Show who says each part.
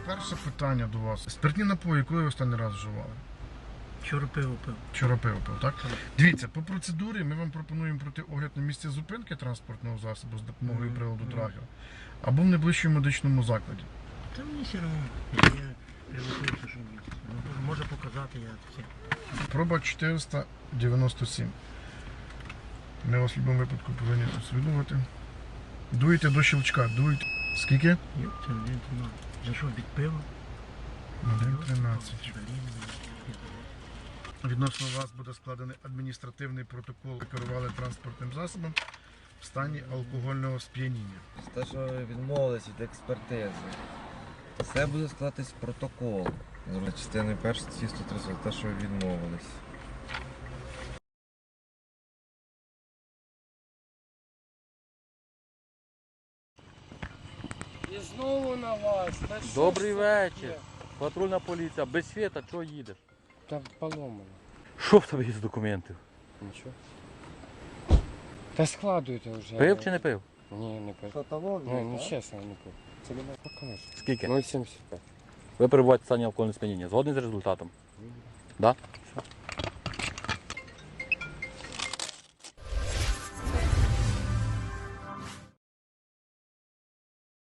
Speaker 1: Перше питання до вас. Спиртні напої, коли ви останній раз вживали?
Speaker 2: Вчора пиво пив.
Speaker 1: Вчора пиво пив, так? Дивіться, по процедурі ми вам пропонуємо пройти огляд на місці зупинки транспортного засобу з допомогою приладу тракера або в найближчому медичному закладі.
Speaker 2: Та мені все одно, я привикнувся, що мені. Може показати, я все.
Speaker 1: Проба 497. Ми вас в будь-якому випадку повинні усвідомити. Дуєте до щелчка, дуєте. Скільки?
Speaker 2: Це не знаю. За що від пива?
Speaker 1: 1,13. Відносно вас буде складений адміністративний протокол. Ви керували транспортним засобом в стані алкогольного сп'яніння.
Speaker 3: Те, що ви відмовились від експертизи. Все буде складатись протокол. За частиною 1 статті 130, те, що ви відмовились.
Speaker 4: І знову на вас. Та що
Speaker 5: Добрий
Speaker 4: ж
Speaker 5: вечір.
Speaker 4: таке?
Speaker 5: Патрульна поліція. Без світа, чого їдеш?
Speaker 4: Та поломано.
Speaker 5: Що в тебе є з документів?
Speaker 4: Нічого. Та складуйте вже.
Speaker 5: Пив чи не пив?
Speaker 4: Ні, не пив.
Speaker 3: Фотолог,
Speaker 4: Ну, чесно, не пив. Це мене покажеш.
Speaker 5: Скільки?
Speaker 4: 0,75.
Speaker 5: Ви перебуваєте в стані алкогольного сп'яніння. Згодні з результатом? Да? Все.